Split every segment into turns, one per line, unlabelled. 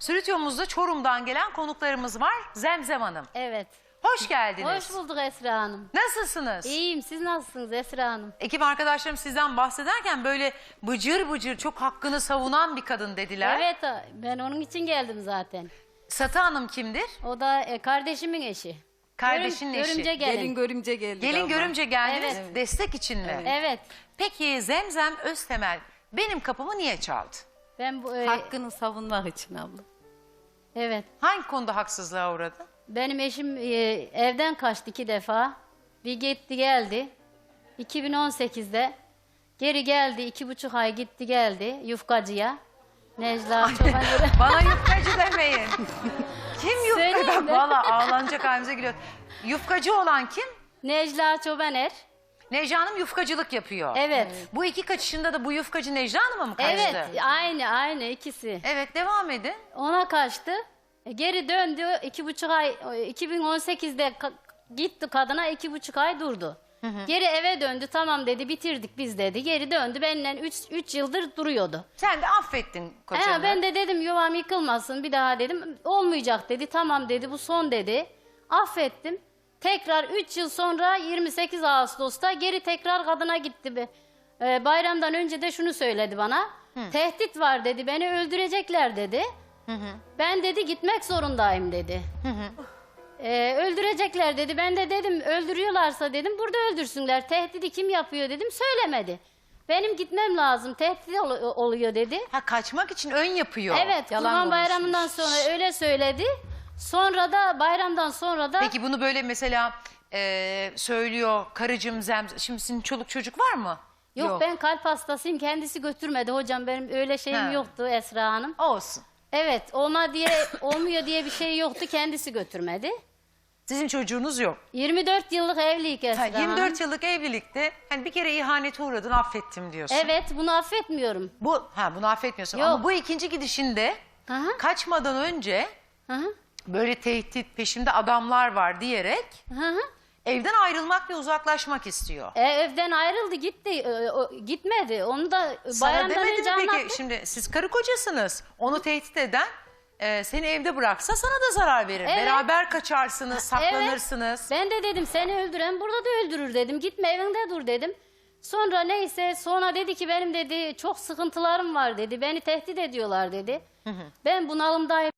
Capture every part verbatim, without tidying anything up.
Stüdyomuzda Çorum'dan gelen konuklarımız var. Zemzem Hanım.
Evet.
Hoş geldiniz.
Hoş bulduk Esra Hanım.
Nasılsınız?
İyiyim. Siz nasılsınız Esra Hanım?
Ekip arkadaşlarım sizden bahsederken böyle bıcır bıcır çok hakkını savunan bir kadın dediler.
Evet, ben onun için geldim zaten.
Satı Hanım kimdir?
O da e, kardeşimin eşi.
Kardeşinin
Görüm-
eşi.
Görümce gelin.
Gelin görümce geldi.
Gelin
abla.
görümce geldiniz.
Evet.
Destek için mi?
Evet.
Peki Zemzem Öztemel benim kapımı niye çaldı?
Ben bu e,
Hakkını savunmak için abla.
evet.
Hangi konuda haksızlığa uğradı?
Benim eşim e, evden kaçtı iki defa. Bir gitti geldi. iki bin on sekizde geri geldi. iki buçuk ay gitti geldi yufkacıya. Necla Çoban.
Bana yufkacı demeyin. Kim yufkacı?
Söyleyeyim mi?
Valla ağlanacak halimize gülüyor. Yufkacı olan kim?
Necla Çobaner.
Necla Hanım yufkacılık yapıyor.
Evet.
Bu iki kaçışında da bu yufkacı Necla Hanım'a mı kaçtı?
Evet, aynı aynı ikisi.
Evet, devam edin.
Ona kaçtı. E, Geri döndü. iki buçuk ay, iki bin on sekizde ka- gitti kadına, iki buçuk ay durdu. Geri eve döndü. Tamam dedi, bitirdik biz dedi. Geri döndü. Benimle üç, üç yıldır duruyordu.
Sen de affettin kocanı.
He, ben de dedim yuvam yıkılmasın bir daha dedim. Olmayacak dedi. Tamam dedi, bu son dedi. Affettim. Tekrar üç yıl sonra yirmi sekiz Ağustos'ta geri tekrar kadına gitti. be. Ee, bayramdan önce de şunu söyledi bana. Tehdit var dedi. Beni öldürecekler dedi. Ben dedi gitmek zorundayım dedi. Ee, öldürecekler dedi. Ben de dedim öldürüyorlarsa dedim burada öldürsünler. Tehdidi kim yapıyor dedim. Söylemedi. Benim gitmem lazım. Tehdit ol- oluyor dedi.
Ha, kaçmak için ön yapıyor.
Evet,
Yalan
Kurban
konuşmuş.
Bayramı'ndan sonra öyle söyledi. Sonra da bayramdan sonra da
Peki bunu böyle mesela e, söylüyor karıcığım Zemzem. Şimdi senin çoluk çocuk var mı?
yok,
Yok.
ben kalp hastasıyım. Kendisi götürmedi hocam. Benim öyle şeyim
Ha.
yoktu Esra Hanım.
Olsun.
Evet, olma diye olmuyor diye bir şey yoktu. Kendisi götürmedi.
Sizin çocuğunuz yok.
yirmi dört yıllık evlilik Esra
Ha,
Hanım.
yirmi dört yıllık evlilikte hani bir kere ihanete uğradın, affettim diyorsun.
Evet, bunu affetmiyorum.
Bu ha bunu affetmiyorsun
Yok.
ama bu ikinci gidişinde
Hı hı.
kaçmadan önce
Hı hı.
böyle tehdit, peşimde adamlar var diyerek
Hı hı.
evden ayrılmak ve uzaklaşmak istiyor.
E, evden ayrıldı gitti. E, o, gitmedi. Onu da
Sana
bayramdan
demedi
önce
mi peki?
anlattım.
Şimdi siz karı kocasınız. Onu tehdit eden e, seni evde bıraksa sana da zarar verir.
Evet.
Beraber kaçarsınız, saklanırsınız.
Ben de dedim seni öldüren burada da öldürür dedim. Gitme evinde dur dedim. Sonra neyse sonra dedi ki benim dedi çok sıkıntılarım var dedi. Beni tehdit ediyorlar dedi. Ben bunalımdayım.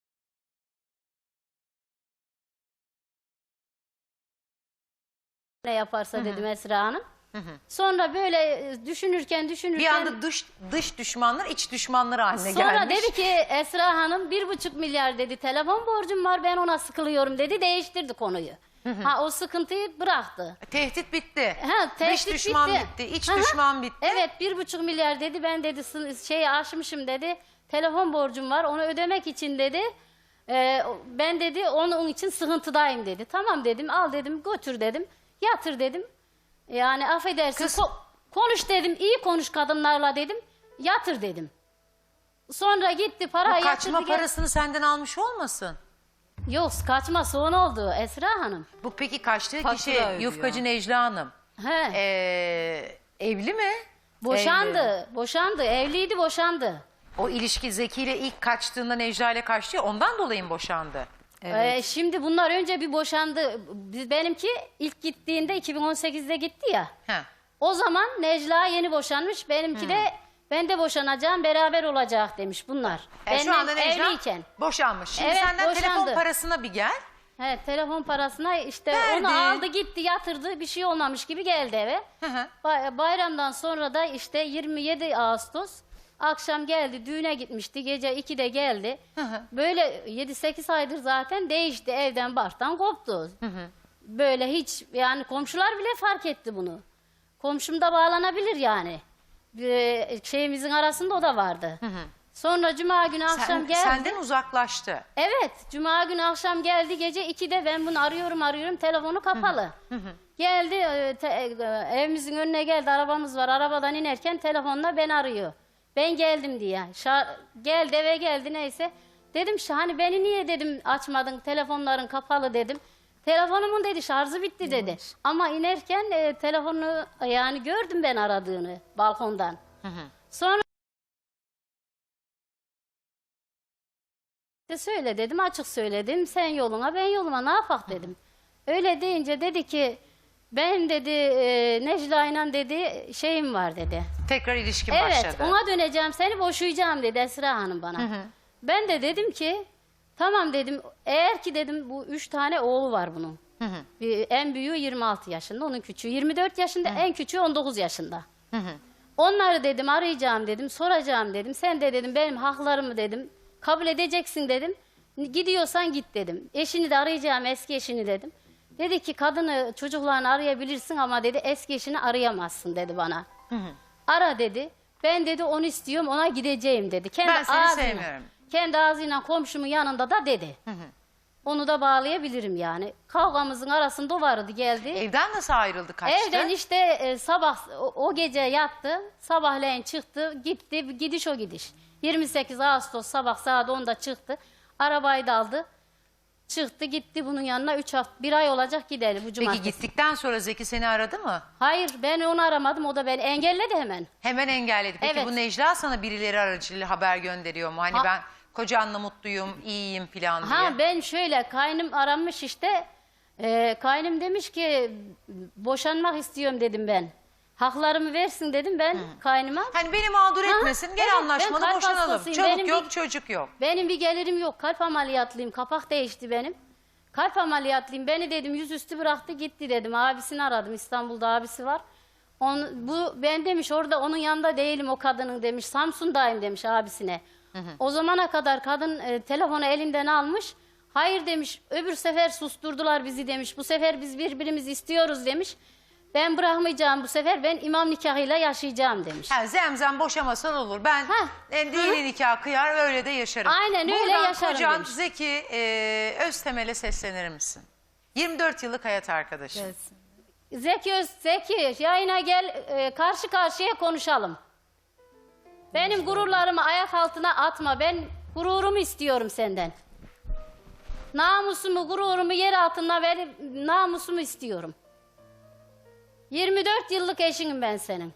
Ne yaparsa dedim Esra Hanım. Sonra böyle e, düşünürken düşünürken.
Bir anda dış dış düşmanlar iç düşmanlar haline
Sonra
gelmiş.
dedi ki Esra Hanım bir buçuk milyar dedi telefon borcum var ben ona sıkılıyorum dedi, değiştirdi konuyu. Ha, o sıkıntıyı bıraktı.
Tehdit bitti.
Ha,
Dış
tehdit
düşman
bitti.
bitti, iç
Hı hı.
düşman bitti.
Evet, bir buçuk milyar dedi ben dedi sı- şeyi aşmışım dedi, telefon borcum var onu ödemek için dedi. e, ben dedi onun için sıkıntıdayım dedi. Tamam dedim, al dedim, götür dedim, yatır dedim. Yani affedersin
Kız-
ko- konuş dedim, iyi konuş kadınlarla dedim, yatır dedim. Sonra gitti para
Bu
yatırdı.
kaçma
gel-
parasını senden almış olmasın?
Yok, kaçma son oldu Esra Hanım.
Bu peki kaçtığı
Fatura
kişi
ödüyor.
yufkacı Necla Hanım.
He.
Ee, evli mi?
boşandı,
Evli.
boşandı, evliydi, boşandı.
O ilişki Zeki ile ilk kaçtığında Necla ile kaçtı ya, ondan dolayı mı boşandı?
Ee, şimdi bunlar önce bir boşandı. Biz- Benimki ilk gittiğinde iki bin on sekizde gitti ya.
Ha.
O zaman Necla yeni boşanmış. Benimki de ben de boşanacağım, beraber olacak demiş bunlar.
Yani şu
Benimle
anda Necla
evliyken.
boşanmış. Şimdi
Evet,
senden telefon
boşandı.
parasına bir gel.
He, telefon parasına işte
Verdi.
onu aldı gitti yatırdı, bir şey olmamış gibi geldi eve.
Hı hı.
Bay- Bayramdan sonra da işte yirmi yedi Ağustos akşam geldi, düğüne gitmişti, gece ikide geldi.
hı.
Böyle yedi sekiz aydır zaten değişti, evden barktan koptu. Böyle hiç yani komşular bile fark etti bunu. Komşum da bağlanabilir yani. Bir şeyimizin arasında o da vardı. Sonra cuma günü akşam
Sen,
geldi.
senden uzaklaştı.
Evet, cuma günü akşam geldi, gece ikide ben bunu arıyorum arıyorum, telefonu kapalı. Geldi e, te- e, evimizin önüne geldi, arabamız var, arabadan inerken telefonla beni arıyor. Ben geldim diye. Şa- geldi eve geldi neyse. Dedim "Şa- hani beni niye dedim açmadın, telefonların kapalı dedim. Telefonumun dedi şarjı bitti dedi. Ama inerken e, telefonu yani gördüm ben aradığını balkondan. Sonra De söyle dedim, açık söyledim. Sen yoluna, ben yoluma, ne yapak dedim. Öyle deyince dedi ki ben dedi e, Necla ile dedi şeyim var dedi.
Tekrar ilişkin
Evet,
başladı.
ona döneceğim, seni boşayacağım dedi Esra Hanım bana. Ben de dedim ki tamam dedim, eğer ki dedim bu üç tane oğlu var bunun. Bir, en büyüğü yirmi altı yaşında, onun küçüğü yirmi dört yaşında, en küçüğü on dokuz yaşında. Onları dedim arayacağım dedim, soracağım dedim. Sen de dedim benim haklarımı dedim kabul edeceksin dedim. Gidiyorsan git dedim. Eşini de arayacağım, eski eşini dedim. Dedi ki kadını çocuklarını arayabilirsin ama dedi eski eşini arayamazsın dedi bana. Ara dedi. Ben dedi onu istiyorum, ona gideceğim dedi. Kendi
Ben seni
ağzıyla,
sevmiyorum.
Kendi ağzıyla komşumun yanında da dedi. Onu da bağlayabilirim yani. Kavgamızın arasında o vardı, geldi.
Evden nasıl ayrıldı, kaçtı?
Evden işte e, sabah o, o gece yattı. Sabahleyin çıktı, gitti. Gidiş o gidiş. yirmi sekiz Ağustos sabah saat onda çıktı. Arabayı da aldı. Çıktı gitti bunun yanına üç hafta, bir ay olacak gideli bu cumartesi.
Peki gittikten sonra Zeki seni aradı mı?
Hayır, ben onu aramadım, o da beni engelledi hemen.
Hemen engelledi. Peki
Evet.
bu Necla sana birileri aracılığıyla haber gönderiyor mu? Hani
Ha-
ben kocanla mutluyum, iyiyim falan diye.
Ha ben şöyle, kaynım aramış işte. E, kaynım demiş ki boşanmak istiyorum dedim ben. Haklarımı versin dedim ben kaynıma.
Hani beni mağdur
Ha,
etmesin, gel
evet, ben
anlaşmalı
kalp
boşanalım.
hastasıyım.
Çoluk
Benim
yok,
bir-
çocuk yok.
Benim bir gelirim yok. Kalp ameliyatlıyım. Kapak değişti benim. Kalp ameliyatlıyım. Beni dedim yüzüstü bıraktı gitti dedim. Abisini aradım. İstanbul'da abisi var. Onu, bu ben demiş orada onun yanında değilim o kadının demiş. Samsun'dayım demiş abisine. O zamana kadar kadın e, telefonu elinden almış. Hayır demiş. Öbür sefer susturdular bizi demiş. Bu sefer biz birbirimizi istiyoruz demiş. Ben bırakmayacağım bu sefer. Ben imam nikahıyla yaşayacağım demiş.
Ha, zemzem boşamasan olur. Ben
Ha.
e, dini nikah kıyar öyle de yaşarım.
Aynen öyle
Buradan
yaşarım
kocan
demiş.
Zeki e, Öztemel'e seslenir misin? yirmi dört yıllık hayat arkadaşı.
Gelsin.
Zeki Öz, Zeki yayına gel, e, karşı karşıya konuşalım. Benim gururlarımı ayak altına atma. Ben gururumu istiyorum senden. Namusumu, gururumu yer altına verip namusumu istiyorum. yirmi dört yıllık eşinim ben senin.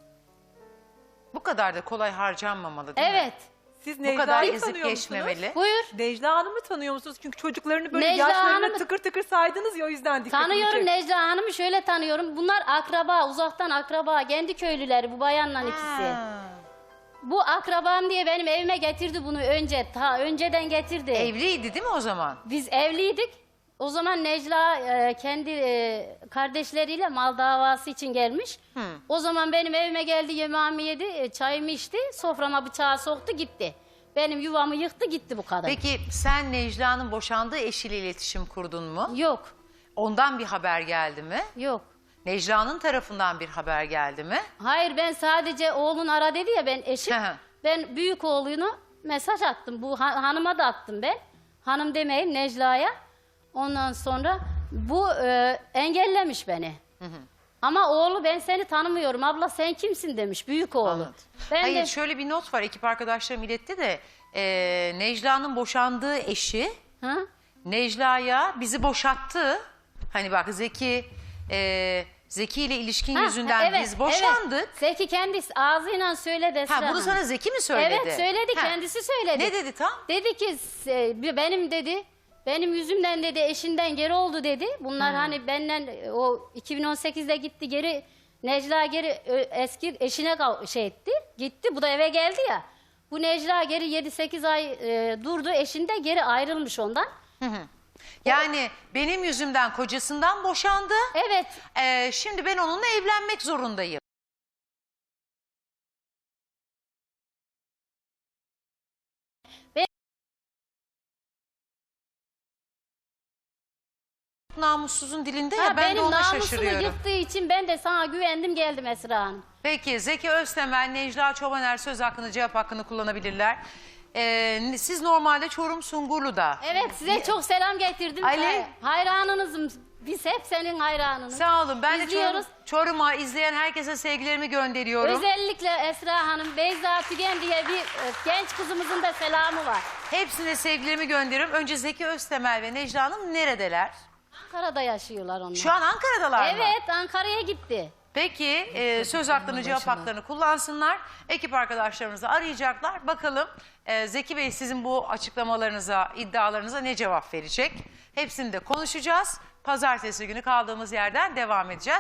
Bu kadar da kolay harcanmamalı değil mi?
Evet.
Siz
Bu kadar
Necla'yı
ezip
tanıyor
geçmemeli.
musunuz?
Buyur.
Necla Hanım'ı tanıyor musunuz? Çünkü çocuklarını böyle
Necla
yaşlarına
Hanım'ı-
tıkır tıkır saydınız ya, o yüzden dikkatimi
Tanıyorum
çekti.
Necla Hanım'ı, şöyle tanıyorum. Bunlar akraba, uzaktan akraba. Kendi köylüleri bu bayanla ikisi.
Ha.
Bu akrabam diye benim evime getirdi bunu önce. Ta önceden getirdi.
Evliydi değil mi o zaman?
Biz evliydik. O zaman Necla e, kendi e, kardeşleriyle mal davası için gelmiş. O zaman benim evime geldi, yemeğimi yedi, e, çayımı içti, soframa bıçağı soktu gitti. Benim yuvamı yıktı gitti bu kadın.
Peki sen Necla'nın boşandığı eşiyle iletişim kurdun mu?
Yok,
Ondan bir haber geldi mi?
yok.
Necla'nın tarafından bir haber geldi mi?
Hayır, ben sadece oğlun ara dedi ya, ben eşim.
Hı hı.
Ben büyük oğlunu mesaj attım. Bu ha- hanıma da attım ben. Hanım demeyeyim, Necla'ya. Ondan sonra bu e, engellemiş beni. Ama oğlu ben seni tanımıyorum. Abla sen kimsin demiş büyük oğlu.
Anladım.
Ben
Hayır
de
şöyle bir not var, ekip arkadaşlarım iletti de e, Necla'nın boşandığı eşi
Hı?
Necla'ya bizi boşattı. Hani bak Zeki e, Zeki ile ilişkin
Ha,
yüzünden
evet,
biz boşandık.
Evet. Zeki kendisi ağzıyla söyledi Esra
Ha, bunu
Hanım.
sana Zeki mi söyledi?
Evet söyledi,
Ha.
kendisi söyledi.
Ne dedi tam?
Dedi ki "Se- benim dedi benim yüzümden dedi eşinden geri oldu dedi. Bunlar hani benden e, o iki bin on sekizde gitti geri, Necla geri ö, eski eşine kav- şey etti. Gitti, bu da eve geldi ya. Bu Necla geri yedi sekiz ay e, durdu, eşinde geri ayrılmış ondan.
Yani benim yüzümden kocasından boşandı.
Evet.
E, şimdi ben onunla evlenmek zorundayım. Namussuzun dilinde ya,
Ha,
ben de
benim
ona
namusumu
şaşırıyorum.
yıktığı için ben de sana güvendim geldim Esra Hanım.
Peki Zeki Öztemel, Necla Çobaner söz hakkını, cevap hakkını kullanabilirler. Ee, siz normalde Çorum Sungurlu'da.
Evet, size çok selam getirdim.
Ali.
Hay- Hayranınızım. Biz hep senin hayranınız.
Sağ olun. Ben de Çorum,
İzliyoruz.
Çorum'a izleyen herkese sevgilerimi gönderiyorum.
Özellikle Esra Hanım, Beyza Tügen diye bir e, genç kızımızın da selamı var.
Hepsine sevgilerimi gönderiyorum. Önce Zeki Öztemel ve Necla Hanım neredeler?
Ankara'da yaşıyorlar onlar.
Şu an Ankara'dalar mı?
Evet, Ankara'ya gitti.
Peki e, söz hakkını, cevap haklarını kullansınlar. Ekip arkadaşlarımızı arayacaklar. Bakalım e, Zeki Bey sizin bu açıklamalarınıza, iddialarınıza ne cevap verecek? Hepsini de konuşacağız. Pazartesi günü kaldığımız yerden devam edeceğiz.